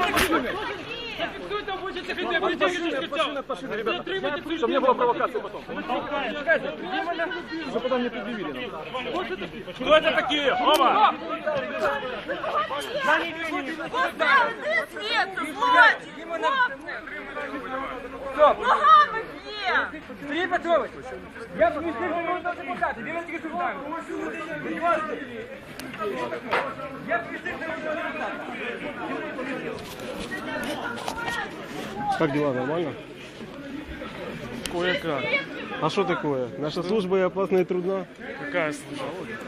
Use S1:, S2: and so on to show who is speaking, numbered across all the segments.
S1: Зафиксуйте обучите ХТ, притягивайте специально. Ребята,
S2: чтобы не было провокации потом. Чтобы потом не предъявили.
S1: Кто это такие? Оба!
S3: Сергей Петрович, я бы не слышал депутата, берете государство. Я бы не слышал.
S2: Как дела, нормально?
S1: Кое-как.
S2: А что такое? Наша служба и опасна и трудна.
S1: Какая служба?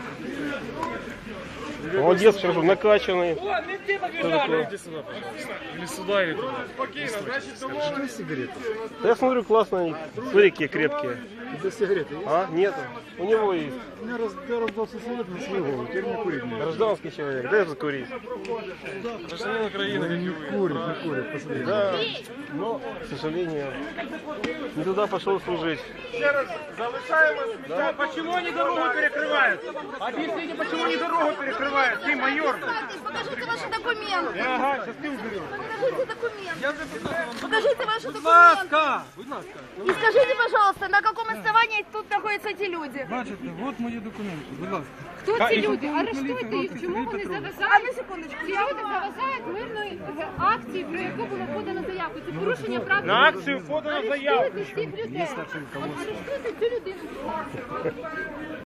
S2: Молодец, хорошо, накачанный.
S1: Иди сюда, пожалуйста. Или сюда, или туда. Спокойно, значит,
S2: Что сигареты? Да я смотрю, классные. Смотри, какие крепкие.
S4: Это сигареты есть?
S2: А? Нету. У него есть.
S4: У меня раздался совет на свою голову, теперь не курить не
S2: Гражданский человек. Дай закурить.
S1: гражданин Украины, как и вы.
S4: курит, посмотри.
S2: Да, но, к сожалению, не туда пошел служить.
S3: Да. Почему они дорогу перекрывают? Объясните, почему они дорогу перекрывают? Ты майор.
S5: Покажите ваши документы.
S3: Ага, сейчас ты уберешь.
S5: Покажите документы. Покажите ваши документы. И скажите, пожалуйста, на каком основании тут находятся эти люди?
S4: Бачите, от мої документи, будь ласка.
S6: Хто ці люди? Арештуйте їх. Чому вони заважають?
S5: А на секундочку.
S6: Ці люди заважають мирної акції, про яку було подано заявку. Це порушення прав.
S3: На акцію подано заявку.
S6: Арештуйте всіх людей. От арештуйте цю людину.